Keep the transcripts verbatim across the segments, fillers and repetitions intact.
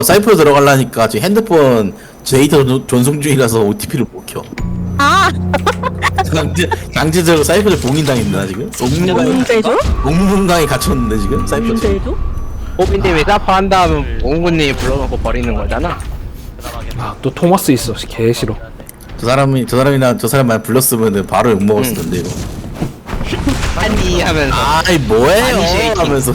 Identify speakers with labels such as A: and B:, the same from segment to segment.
A: 사이프로 들어가려니까 지금 핸드폰 데이터 존- 전송 중이라서 오티피를 못 켜.
B: 아,
A: 강제, 강제적으로 사이프를 봉인당했나 지금?
B: 뭔데죠?
A: 공문강에 갇혔는데 지금 사이프.
B: 뭔데죠?
C: 호빈님이 사파 한 다음 옹구님이 불러놓고 버리는 거잖아.
D: 아, 또 토마스 있어. 개 싫어.
A: 저 사람이 저 사람이나 저 사람만 불렀으면은 바로 욕 먹었을 텐데 이거.
C: 아니 하면서
A: 아이 뭐예요?
C: 아니, 쉐이킹.
A: 하면서.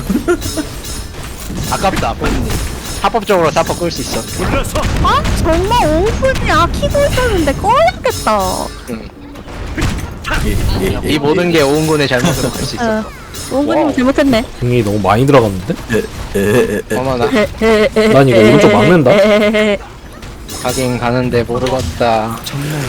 C: 아깝다 호빈님. 합법적으로 사파 끌 수 있어.
B: 아, 정말 오픈이 아키고 있었는데 꺼야겠다.
C: 응.
A: 예, 예, 예,
C: 이 모든 게 오은군의 잘못으로 끌 수 있어.
B: 어, 오픈님 잘못했네.
D: 등이 너무 많이 들어갔는데?
A: 예, 예, 예, 예.
C: 어머나
D: 난 이거 오른쪽 막는다.
C: 가긴 가는데 모르겠다.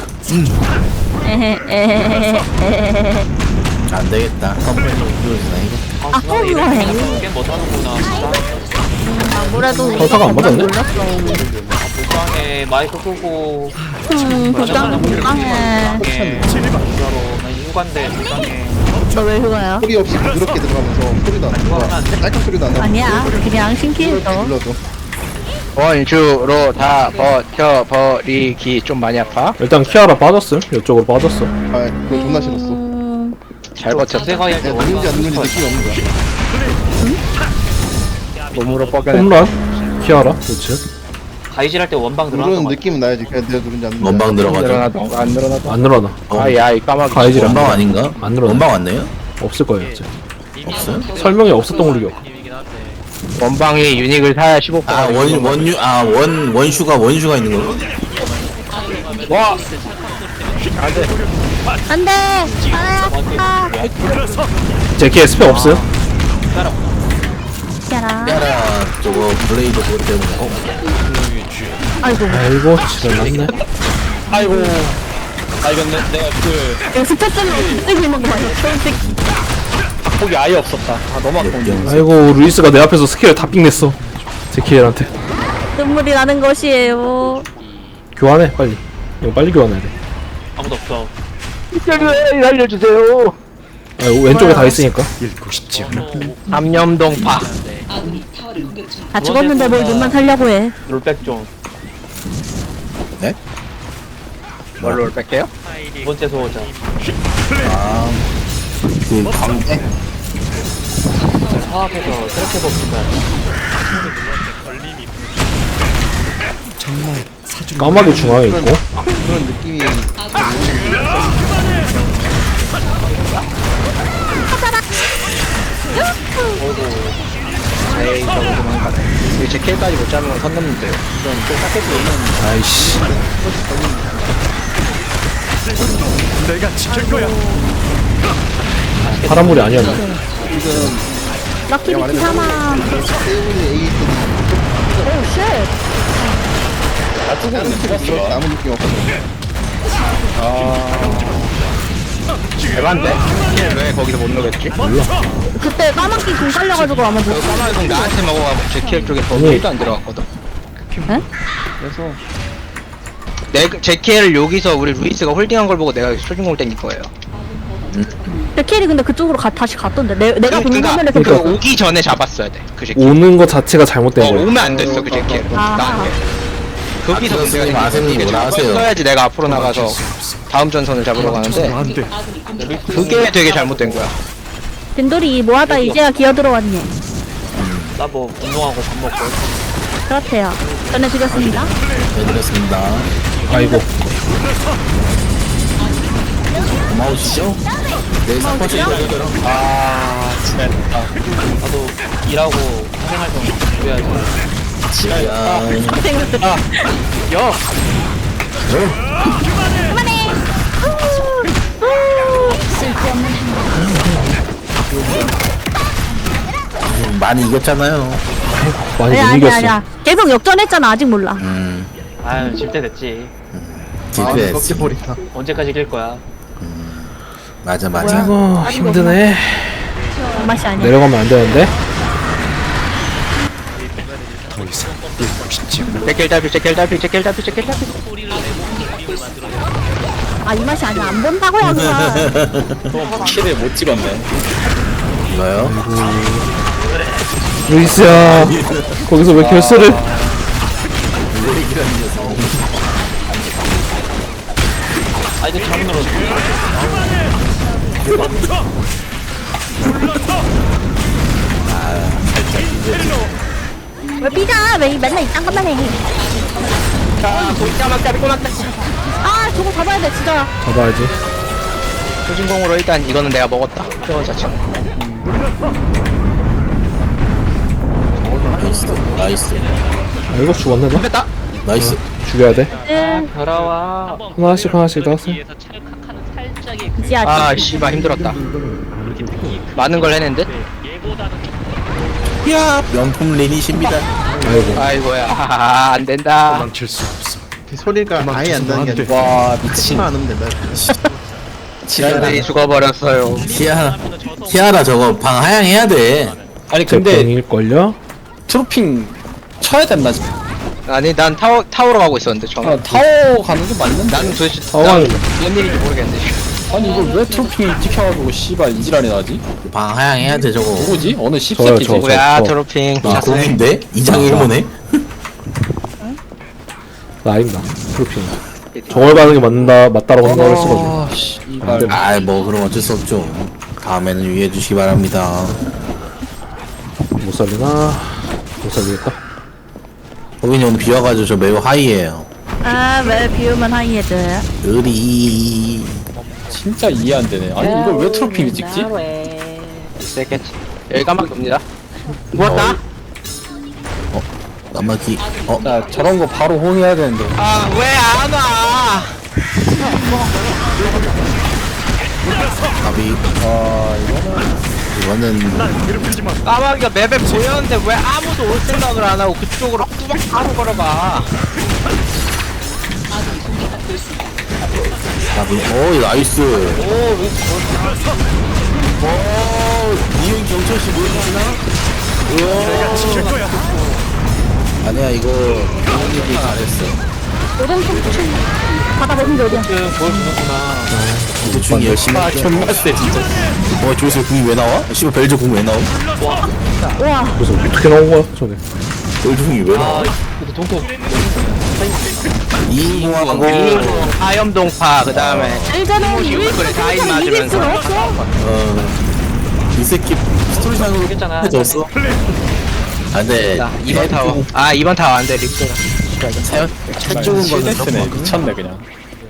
A: 안 되겠다. 컴플레인 이거잖아 이거.
B: 아, 허무해.
E: 게임 못하는구나 진짜.
B: 아무래도
D: 설사가 안 맞았네?
B: 몰랐어.
E: 불쌍해 마이크 끄고
B: 음, 불쌍해, 불쌍해.
E: 진짜로 나 휴관데 불쌍해.
B: 너 왜 휴가야?
F: 소리 없이 부드럽게 들어가면서 소리도 안 나고 깔끔 소리도 안 나고
B: 아니야, 그냥 신기해서.
F: 불러도
C: 원주로 다 버텨버리기 좀 많이 아파?
D: 일단 키아라 빠졌음. 이쪽으로 빠졌어.
F: 아 그거 존나 싫었어.
B: 음,
C: 잘 버텼어.
E: 세가 할때
F: 내가 누군지 안 누군지 느낌이 없는 거야.
C: 몸으로 뻐겨내.
D: 홈런. 키아라. 그렇지.
E: 가이질 할 때 원방
F: 누르는
E: 들어가서
F: 느낌은 나야지. 그냥 내가 누군지 안 누군지.
A: 원방 들어가죠.
C: 늘어나도 안 늘어나도.
D: 안 늘어나.
A: 어.
C: 아야 이 까마귀.
D: 가이질 안
A: 원방
D: 늘어나.
A: 아닌가?
D: 안 늘어나.
A: 원방 왔네요?
D: 없을 거예요. 이제.
A: 없어요?
D: 설명이 없었던 걸로 기억.
C: 원방이 유닉을 사야 십오 퍼센트.
A: 아 원 원유 아 원 원슈가 원슈가 있는 거고?
C: 와!
B: 안 돼! 아, 아,
D: 제키 스펙 없어요?
B: 야라.
A: 야라 저거 블레이드 그것 때문에. 어?
B: 아이고,
D: 아이고, 지랄났네.
E: 아이고 아 이건 내, 내가 그
B: 이거 스페셜로 쓰고 있는 거 맞아, 솔직히.
E: 폭이 아예 없었다. 아 너무 아까운데.
D: 아이고, 루이스가 내 앞에서 스킬을 다 삥냈어. 제키엘한테.
B: 눈물이 나는 것이에요.
D: 교환해, 빨리. 이거 빨리 교환해야 돼.
E: 아무도 없어.
C: 알려주세요.
D: 아, 왼쪽에 다 있으니까.
C: 삼염동파.
B: 다 죽었는데 뭘 눈만 살려고 해.
E: 롤백 좀.
A: 네?
C: 뭘로 뺄게요?
E: 두 번째 소호자.
A: 그 광대?
E: 사업에서 트랙해 봅시다.
D: 까마귀 중앙에 있고.
F: 그런 느낌이
C: 에이 저거 도망가네. 이제 제 킬까지 못 잡으면 선 넘는데요. 이건 또 깎여서 오면
D: 아이씨. 파란물이 아니었네.
F: 지금
B: 럭키 비키 사망.
F: 세븐이 에이
B: 오, 쉣.
F: 다른 팀이 아무 느낌 없거든.
C: 대반데? 왜 거기서 못 넣겠지?
B: 그때 까맣게 공 깔려가지고 아마 못.
C: 까마귀 나한테 먹어가지고 제 킬 쪽에 더
D: 아니.
C: 킬도 안 들어갔거든.
B: 에?
F: 그래서
C: 내 제 킬을 여기서 우리 루이스가 홀딩한 걸 보고 내가 초중공을 땡긴 거예요.
B: 내 캐리 근데 그쪽으로 가, 다시 갔던데. 내, 내가 보는
C: 그러니까
B: 화면에서
C: 그
B: 그
C: 오기 전에 잡았어야 돼. 그 제 킬.
D: 오는 것 자체가 잘못된
C: 어,
D: 거야.
C: 오면 안 됐어 그 제 킬.
B: 아.
C: 나한테. 거기서
A: 아,
C: 문제가
A: 교수님, 아세님 뭐라 하세요?
C: 써야지 내가 앞으로 나가서 다음 전선을 잡으러 가는데 그게 되게 잘못된 거야.
B: 딘돌이 뭐하다 이제야 기어 들어왔네.
E: 나뭐 운동하고 밥 먹고.
B: 그렇대요. 전해드렸습니다.
A: 네 드렸습니다.
D: 아이고.
A: 고마우시죠? 네 사퍼치 걸려들어.
E: 아 진짜. 나도 일하고 생활 좀 그래야지.
A: 지야.
B: 선생님들.
E: 야.
B: 그만해.
A: 많이 이겼잖아요.
D: 많이
B: 아니야,
D: 못
B: 아니야,
D: 이겼어.
B: 아니야. 계속 역전했잖아. 아직 몰라.
A: 음.
E: 아유 질 때 됐지.
A: 지그레스.
F: 꺾여버린다.
E: 언제까지 이길 거야?
A: 맞아 맞아.
D: 아이고, 힘드네.
B: 맛이 아니야.
D: 내려가면 안 되는데.
C: 제킬 달피 제킬 달피 제킬 달피 제킬 달피.
B: 아, 이 맛이 아니야. 안 본다고요, 그만.
E: 키를 못 찍었네.
A: 이거요?
D: 루이스야. 거기서 왜 결스를.
A: 이 녀석.
E: 아 이거 잘못 눌렀어.
B: 왜 삐져? 왜 맨날 이딴 것만 해?
C: 자 골짜막 꼬막다
B: 아 저거 잡아야 돼 진짜.
D: 잡아야지.
C: 초진공으로 일단 이거는 내가 먹었다 저 자체
A: 나이스 나이스
D: 아 이거 죽었네 너?
C: 뺐다
A: 나이스.
D: 죽여야 돼.
B: 응.
E: 돌아와.
D: 하나씩 하나씩 나왔어.
B: 이지야.
C: 아 씨발 힘들었다 많은 걸 해낸 듯?
A: 야 명품 리닛입니다.
D: 아이고.
C: 아이고야 하하하 안된다
F: 그 소리가 아예 안 나는 게 아니라
E: 와 미친.
F: 안 하면 된다.
C: 지랄들이 죽어버렸어요
A: 티아라 티아라 저거 방 하향해야 돼.
E: 아니
D: 제
E: 근데
D: 뱅일걸요?
E: 트로핑 쳐야 된다 지금.
C: 아니 난 타워, 타워로 가고 있었는데 처음
E: 아, 타워 가는 게 맞는데.
C: 나는 도대체
D: 타워는-
C: 난 무슨 일인지 모르겠는데
E: 아니 이걸 왜 트로핑이 찍혀가지고 씨발 이지랄이 나지?
A: 방 하향해야 돼 저거.
E: 누구지? 어느
D: 저요,
E: 씹새끼지?
D: 저.
C: 뭐야
D: 저-
C: 트로핑
A: 아
C: 잤어요.
A: 공인데 이장 일모네.
D: 나 아닙니다. 프로핑. 저걸 받는 게 맞는다, 맞다라고 생각을 했어가지고.
E: 아 씨발.
D: 안 돼.
A: 아 뭐 그럼 어쩔 수 없죠. 다음에는 유의해 주시기 바랍니다.
D: 못 살리나? 못 살리겠다.
A: 호빈이 오늘 비 와가지고 저 매우 하이에요.
B: 아왜 비우면 하이헤드.
A: 으리.
E: 진짜 이해 안 되네. 아니 이걸 왜 트로핑이 찍지?
C: 있겠지 여기 까맣게 옵니다 누웠다?
A: 까마귀. 어
E: 나 저런 거 바로 호응해야 되는데.
C: 아 왜 안 와?
A: 가비.
E: 아 이거는
A: 이거는
C: 까마귀가 맵에 보였는데 왜 아무도 올 생각을 안 하고 그쪽으로 뚜벅 바로 걸어봐
A: 가비. 오 나이스. 오 이윤 경철 씨 모르시나? 우와. 아니야 이거 이윤이 잘했어.
B: 오른쪽 춤 받아보는 게 어디야?
A: 이거 중이 열심히
E: 아
A: 할게.
E: 존나 세 진짜.
A: 어 저기서 궁이 왜 나와? 씨발 벨저 궁 왜 나와?
B: 우와.
D: 그래서 어떻게 나온 거야, 저게?
A: 벨저 궁이 왜 나와?
E: 근데 동국
A: 이인공하고
C: 하염동파 그 다음에
B: 일전에
C: 그래, 다
B: 이길
C: 맞으면서.
B: 수가 없어.
A: 어이 새끼 스토리상으로
E: 했잖아.
A: 해줬어. 안돼.
C: 자 이 번 타워 아 이 번 타워 안돼 립스
A: 차 죽은 거는
E: 실데스네.
A: 그렇고.
E: 미쳤네 그냥.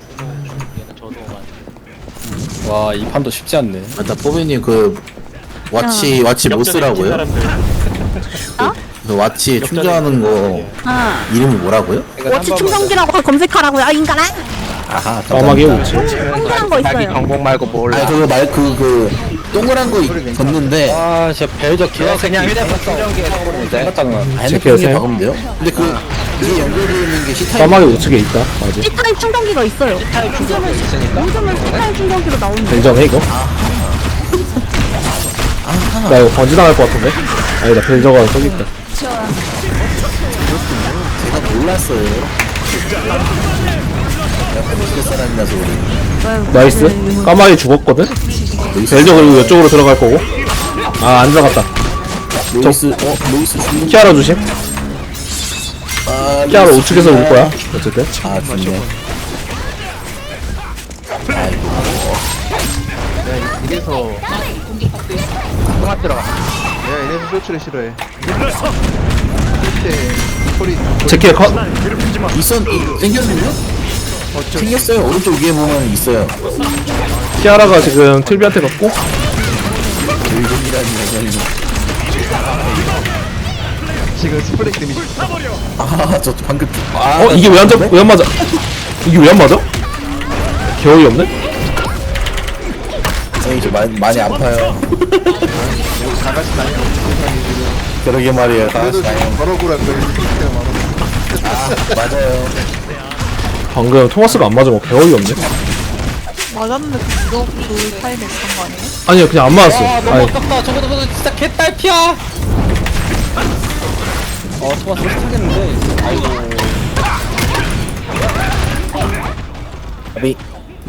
E: 와 이 판도 쉽지 않네.
A: 맞다 포비님 그 와치 와치 못 쓰라고요?
B: 어?
A: 그 와치 충전하는 거
B: 아.
A: 이름이 뭐라고요?
B: 워치 충전기라고 검색하라고요. 아 인간아.
A: 아하
D: 까마귀
A: 감사합니다.
D: 오지.
B: 동그란 거
C: 자기
B: 있어요.
C: 경복 말고 몰라
A: 아 그거 말그 그 동그란 거 걷는데
E: 아 진짜 벨저
C: 그거 그냥 휴대폰 충전기에 넣었는데
E: 생각하는
A: 아,
D: 제키가
A: 핸드폰에
D: 세요?
A: 박으면 돼요? 근데 그 이게 연결되어 있는 게 시타입
D: 까마귀 우측에 있다, 맞지?
B: C타입 충전기가 있어요.
C: 있으니까
B: 요즘은 C타입 충전기로 나오는데.
D: 벨전에 이거? 나 이거 번지당할 것 같은데? 아니다, 벨저가 저기 있다.
A: 제가 몰랐어요. 내가 해볼 사람이라서 그래.
D: 나이스. 까마귀 죽었거든? 벨저 그리고 이쪽으로 들어갈 거고. 아, 안 들어갔다.
A: 로이스 어 로이스 죽는
D: 키아라 조심.
A: 아
D: 키아라
A: 로이스
D: 우측에서 올
A: 죽는다.
D: 거야. 어쨌든.
A: 아 죽네. 아이고
F: 이래서
C: 통합 들어가
F: 내가 이래서 쇼츠를 싫어해. 그때 소리
D: 제키의 컷.
A: 있었 이- 생겼는데요? 생겼어요. 오른쪽 위에 보면 있어요.
D: 키아라가 지금 틀비한테 갔고.
A: 일본이라는 얘기는
F: 지금 스프레이 데미지
A: 아저 방금 아
D: 어, 이게 왜 안 잡, 왜 안 맞아? 이게 왜 안 맞아? 겨울이 없네?
A: 선생님 저 많이, 많이 아파요. 그러게 말이에요. 다 같이
F: 그래도
A: 다녀요.
F: 버럭으로 거리 스프레이가 많아.
A: 아 맞아요.
D: 방금 토마스가 안 맞으면 겨울이 없네?
G: 맞았는데 그거 그 타임에 있었던 거 아니에요?
D: 아니요, 그냥 안 맞았어.
E: 아 너무
D: 아니,
E: 아깝다. 저거 저거 진짜 개딸피야. 어 토마스 비슷하겠는데. 아이고.
A: 가비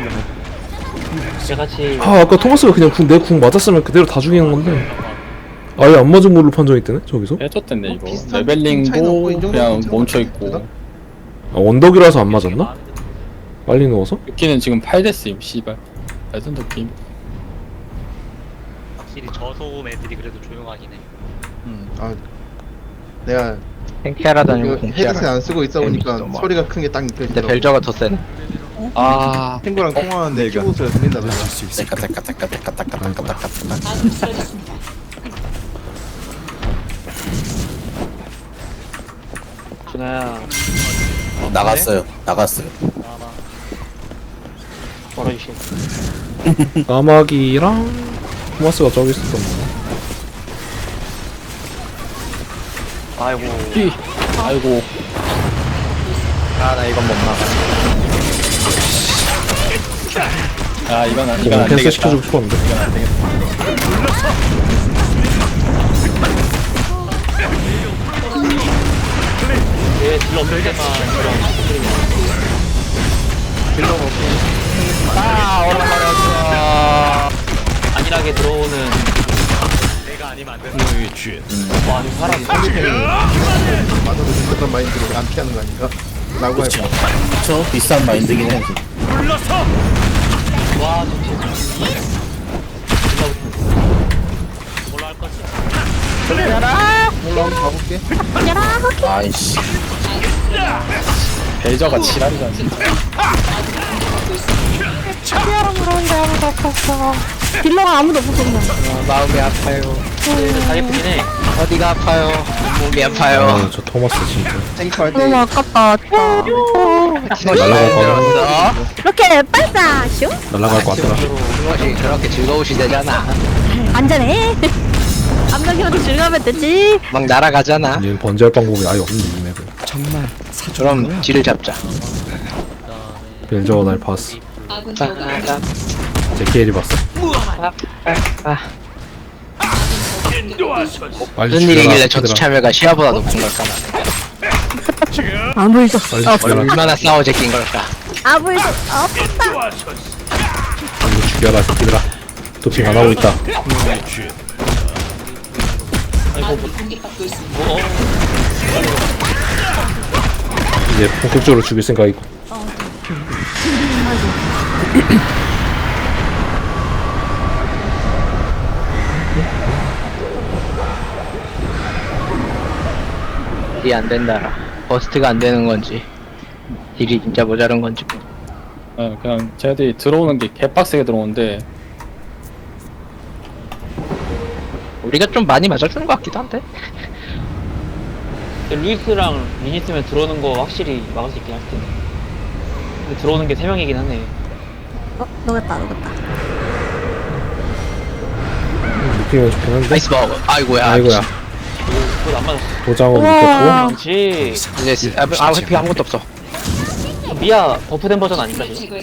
D: 아, 아까 토마스가 그냥 궁, 내 궁 맞았으면 그대로 다 죽이는 건데. 아예 안 맞은 걸로 판정이 뜨네, 저기서?
E: 해줬댔네 이거.
F: 비슷한 차이 나고
E: 레벨링도
F: 이 정도
E: 그냥
F: 괜찮은
E: 멈춰
F: 것
E: 있고.
F: 같은데?
D: 아, 언덕이라서 안 맞았나? 빨리 누워서?
E: 루키는 지금 팔 됐음 씨발 레전 느낌.
H: 확실히 저소음 애들이 그래도 조용하긴 해.
F: 음, 아 내가
C: 탱키하라도
F: 이거
C: 아니고
F: 헤드셋
C: 공짜라.
F: 안 쓰고 있다 보니까
C: 재밌어, 뭐.
F: 소리가 큰 게 딱
C: 근데
F: 느껴지더라고.
C: 벨저가 더 세네.
E: 아
F: 친구랑 통화하는데 키보드가 들린다 그래.
A: 따까 따까 따까 따까 따까 따까 따까 따까.
H: 준아야.
A: 나갔어요. 나갔어요.
H: 벌어주시.
D: 까마귀랑 토마스가 저기 있었던 거.
H: 아이고.
E: 아이고
C: 아 나 이건 못 막아.
E: 아 이건 안 이건
D: 그냥
E: 안
D: 캔슬
E: 되겠다.
D: 시켜주고 싶었는데.
E: 이건 안 되겠다.
H: 얘 딜러 없을 때만 딜러 아 오랜만에 안일하게 들어오는 내가 아니면 안 된다. 와 아니 사람
F: 맞아도 그런 마인드로 안 피하는 거 아닌가? 라고
A: 그렇죠.
F: 해봐.
A: 그렇죠. 비싼 마인드긴 해.
H: 와 좋지. 뭘로 할 거지?
F: 올라오면 가볼게.
A: 아이씨.
E: 벨저가 지랄이잖아 진짜.
B: 딜러가 아무도 없었어 그냥.
C: 아, 마음이 아파요.
H: 근데 다 예쁘긴 해.
C: 어디가 아파요? 몸이 아파요.
D: 아, 저 토마스 진짜.
F: 탱크할 때
B: 너무 아깝다 진짜.
D: 날아갈 거 같아.
C: 들었어?
B: 이렇게 빨싸 슝
D: 날아갈 것 같더라.
C: 그것이 그렇게 즐거우시대잖아.
B: 안전해. 암벽이라도 즐거우면 되지.
C: 막 날아가잖아.
D: 얘는 번지할 방법이 아예 없는데 이 맵은.
C: 그럼 뒤를 잡자.
D: 벨저가 날 봤어.
C: 아,
D: 제키엘이 봤어.
C: 아,
D: 빨리
C: 무슨
D: 죽여라,
C: 일이길래 전투
D: 새끼들아.
C: 참여가 시야보다 높은 걸까?
B: 안 보이죠?
D: 빨리
B: 아,
D: 죽여라.
C: 얼마나 싸워 제낀 걸까?
B: 아 보이죠? 아팠다.
D: 빨리 죽여라 새끼들아. 도핑 안 하고 있다. 이제 본격적으로 죽일 생각이고.
C: 딜이 안 된다. 버스트가 안 되는 건지, 딜이 진짜 모자란 건지.
E: 어, 그냥 쟤들이 들어오는 게 개빡세게 들어오는데
C: 우리가 좀 많이 맞아주는 것 같기도 한데.
H: 루이스랑 린 있으면 들어오는 거 확실히 막을 수 있긴 할 텐데. 근데 들어오는 게 세 명이긴 하네.
B: 어 녹았다 녹았다.
D: 느낌이 좋긴 한데.
C: 나이스 버그. 아이고야.
D: 아이고야.
H: 그거 안 맞았어.
D: 도장은
B: 우와.
D: 느꼈고.
H: 그렇지.
C: 이제 아, 아 회피 아무것도 없어.
H: 미아 버프된 버전 아닌가 지금?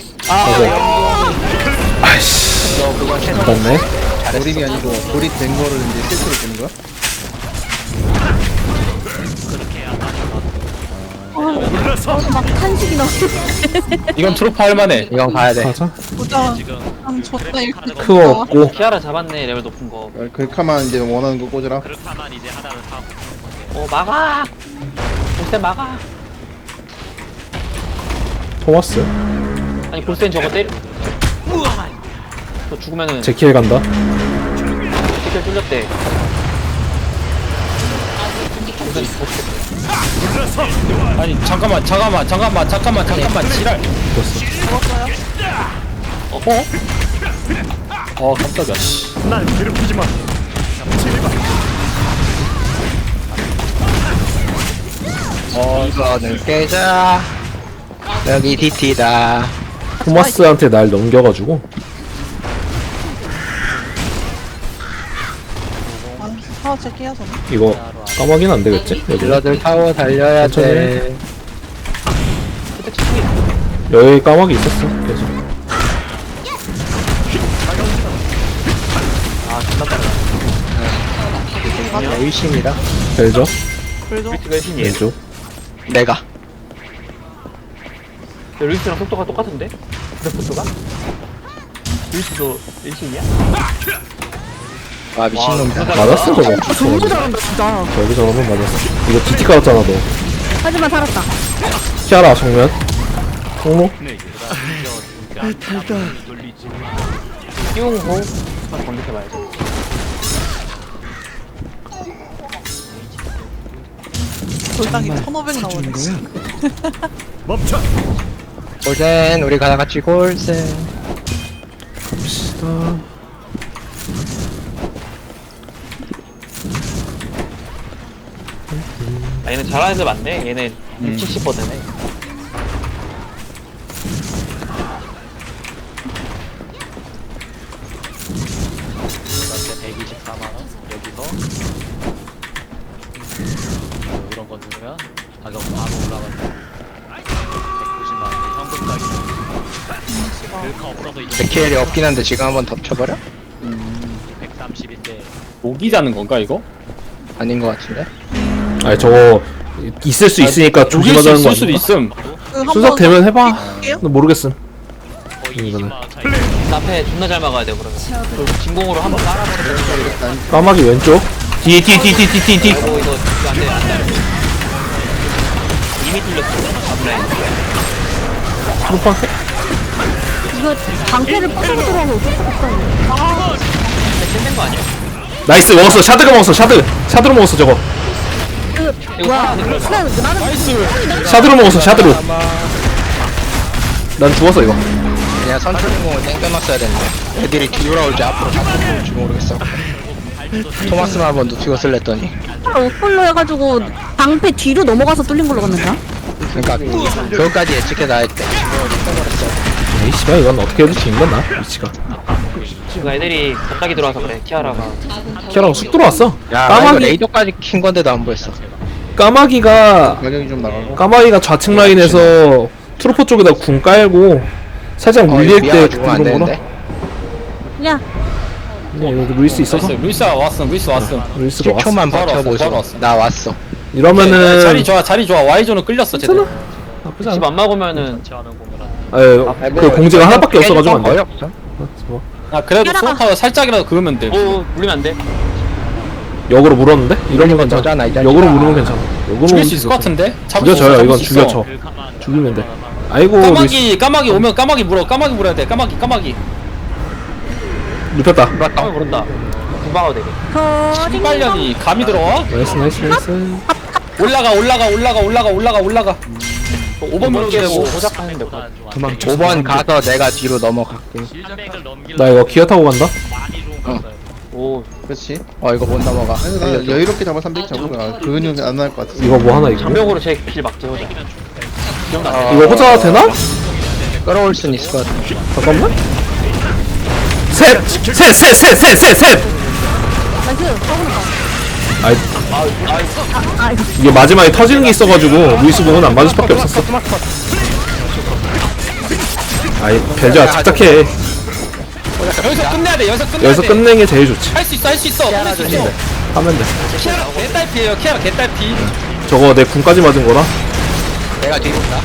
D: 아이씨.
C: 너 그거 최소
D: 맞네.
F: 조립이 아니고 조립된 거를 이제 실수로 보는 거야?
B: 막 탄식이 나.
E: 이건 트로프 할만해.
C: 이건 가야 돼.
D: 가자.
G: 보자. 난 줬다 이렇게.
D: 크어 없고.
H: 키아라 잡았네 레벨 높은 거.
F: 어, 글카만 이제 원하는 거 꽂으라.
H: 어 막아. 볼센 막아.
D: 토마스.
H: 아니 볼센 저거 때려. 저 죽으면은
D: 제키엘 간다.
H: 티켓 뚫렸대.
E: 아니 잠깐만 잠깐만 잠깐만 잠깐만 잠깐만 지랄.
H: 어?
E: 어 깜짝이야. 씨. 어
C: 이거는 깨자. 여기 디티다.
D: 토마스한테 날 넘겨가지고.
G: 아, 제 끼야 전.
D: 이거 까마귀는 안 되겠지? 여기.
C: 딜러들 타고 달려야 돼.
D: 여기 까마귀 있었어. 계속.
C: 의심이다.
D: 벨저.
G: 그래도
H: 루이스가 신이에요.
D: 왼쪽.
C: 내가.
H: 루이스랑 속도가 똑같은데? 그래 속도가? 루이스도 일신이야?
C: 와 미친놈.
D: 맞았어 저거.
B: 너무 잘한다 진짜.
D: 저기 저러면 맞았어. 이거 디티 깔았잖아 너.
B: 하지만 살았다.
D: 키아라 정면. 홍로.
H: 띄운 호 검색해봐야죠.
G: 골당이 천오백 나오네.
C: 골센 우리 가 같이 골센.
D: 갑시다.
H: 아, 얘는 잘하는 애들 많네. 얘네
E: 음.
H: 칠십 퍼센트네.
E: 백이십사만 원 여기서 이런 거 누르면 가격 바로 올라가서 백구십만 원 현금 가격. 글카 없어도 이제
C: 제키엘이 없긴 한데 지금 한번 덮쳐버려?
E: 백삼십인데
I: 모기 자는 건가 이거?
C: 아닌 것 같은데?
D: 아니 저거 있을 수 있으니까
I: 녹일 수
D: 조심하자는 거
I: 있을 수도
D: 아니야?
I: 있음.
G: 그 한번
D: 순삭 되면 해봐.
G: 할게요.
D: 나 모르겠음.
E: 거의
D: 이거는.
E: 이십만 원 차이.
H: 앞에 존나 잘 막아야 돼 그러면. 그리고 진공으로 한번 깔아버리면.
D: 까마귀 왼쪽. 뒤에 뒤에 뒤에 뒤에 뒤에 뒤에.
H: 아이고 이거 이거 안돼 안돼. 이미 뚫렸어. 앞라인.
D: 트루파.
B: 이거 방패를 뻗어 들어가서 어쩔 수 없어.
H: 깼는 거 아니야?
D: 나이스 먹었어. 샤드가 먹었어. 샤드. 샤드로 먹었어 저거.
B: 그 뭐야? 나는 나는
D: 샤드로 먹었어. 샤드로. 난 죽었어 이거.
C: 그냥 선출공을 땡겨놨어야 됐는데 애들이 뒤돌아올지 앞으로 자꾸 볼지 모르겠어. 토마스만 한번 놓치고 쓸랬더니
B: 오플로 해가지고 방패 뒤로 넘어가서 뚫린 걸로 갔는데.
C: 그러니까 그것까지 예측해다 했대.
D: 에이 씨발 이건 어떻게 해도 지는 건나 위치가.
H: 지금 애들이 갑자기 들어와서 그래. 키아라가.
D: 키아라가 쑥 들어왔어.
C: 야 나 이거
D: 까마귀
C: 레이더까지 킨 건데도 안 보였어.
D: 까마귀가
F: 가격이 좀 나가고.
D: 까마귀가 좌측 라인에서 트루퍼 쪽에다 궁 깔고 살짝 물릴 때
C: 미아가 죽으면 안
D: 그런 거라.
B: 야,
D: 야 이거 루이스 있어서
I: 나이스. 루이스 왔음. 루이스 왔음.
D: 루이스가 왔어.
C: 십 초만
I: 바로 왔어,
C: 버텨보자.
I: 바로 왔어.
C: 나 왔어.
D: 이러면은
I: 자리 좋아. 자리 좋아. Y존은 끌렸어 제대로.
D: 나쁘지
H: 집
D: 않아.
H: 안 막으면은
E: 전체하는 공유라.
D: 에, 그 공지가 하나밖에 없어가지고 안 돼.
C: 거의 없어.
D: 뭐,
I: 아 그래도
B: 따라가.
I: 소타워 살짝이라도 그으면 돼.
H: 오 물리면 안 돼.
D: 역으로 물었는데? 이러면 괜찮아.
C: 저잖아, 이 자식아.
D: 역으로 물으면 괜찮아. 역으로
I: 죽일
D: 물으면
I: 수 있을 것
D: 괜찮아.
I: 같은데? 잡을 수
D: 죽여줘요.
I: 있어,
D: 이건
I: 잡을 수 있어.
D: 죽여줘.
E: 글카만
D: 죽이면 돼. 아이고 루이스
I: 까마귀 까마귀 오면 까마귀 물어. 까마귀 물어야 돼. 까마귀 까마귀.
D: 눕혔다.
H: 까면 모른다. 구방어 되게.
B: 터진
I: 빨년이 감이 들어와?
D: 나이스 나이스 나이스.
I: 올라가 올라가 올라가 올라가 올라가 올라가. 오 번 물게 되고.
H: 호작하는데
E: 좋아.
C: 오 번 가서 내가 뒤로 넘어갈게.
E: 삼백을 넘길
D: 나 이거 기어 타고 간다.
E: 많이 좋은 거 있어요.
H: 오
F: 그렇지.
C: 어 이거 못 넘어가.
F: 아니 나 여유롭게 잡아 삼백 잡으면 근육이 안 날 것 같아.
D: 이거 뭐 하나 이거?
H: 장벽으로 제길 막지 호작.
C: 어,
D: 이거 호자 되나?
C: 끌어올 순 있을 것 같아.
D: 잠깐만. 셋! 셋! 셋! 셋! 셋! 셋! 셋!
B: 나이스. 서브나.
D: 아이
B: 아, 이거
D: 이게 마지막에 터지는 게 있어가지고 루이스 공은 안 맞을 수밖에 없었어. 아이 벨저야 착착해.
I: 여기서 끝내야 돼. 여기서 끝내야 돼.
D: 여기서 끝내는 게 제일 좋지.
I: 할 수 있어 할 수 있어. 끝낼 수 있어.
D: 하면 돼.
I: 키아라 개딸피에요. 키아라 개딸피.
D: 저거 내 궁까지 맞은 거라.
C: 내가 뒤로 온다.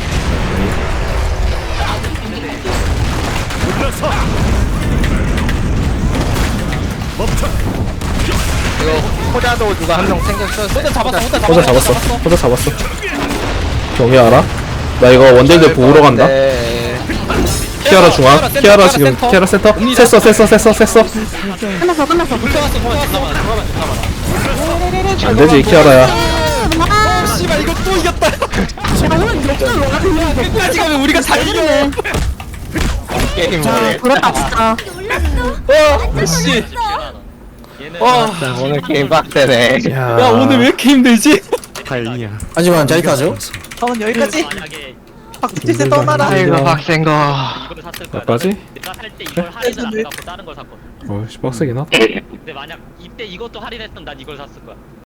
C: 이거 호자도 누가 한 명 생겼어.
I: 혼자 잡았어. 혼자 잡았어.
D: 호자 잡았어. 호자 잡았어. 경이 알아? 나 이거 원딜들 보러 간다.
C: 네.
D: 키아라 중앙. 키아라 지금 키아라 센터. 셌어 셌어 셌어 셌어.
B: 끝났어, 끝났어.
I: 불태웠어. 불태웠어.
D: 안 되지 키아라야.
B: 아,
I: 씨발 이거 또 이겼다.
B: 야, 오늘 역전 와.
I: 끝까지 가면 우리가 다 이겨.
C: 게임
B: 아,
C: 뭐해?
B: 그렇다 진짜.
I: 어, 씨.
E: 얘는
I: 와,
C: 오늘 게임 빡세네.
I: 야 오늘 왜 이렇게 힘들지?
A: 하지만 자이타죠?
G: 저는 여기까지.
E: 만약에
G: 박지세 떠나라.
C: 아이고 빡센 거.
E: 이거를 샀을 거야.
D: 몇까지?
E: 내가 살 때 이걸 할인을 안 받고 다른 걸 샀거든.
D: 어씨 빡세긴 하다.
E: 근데 만약 이때 이것도 할인했으면 난 이걸 샀을 거야.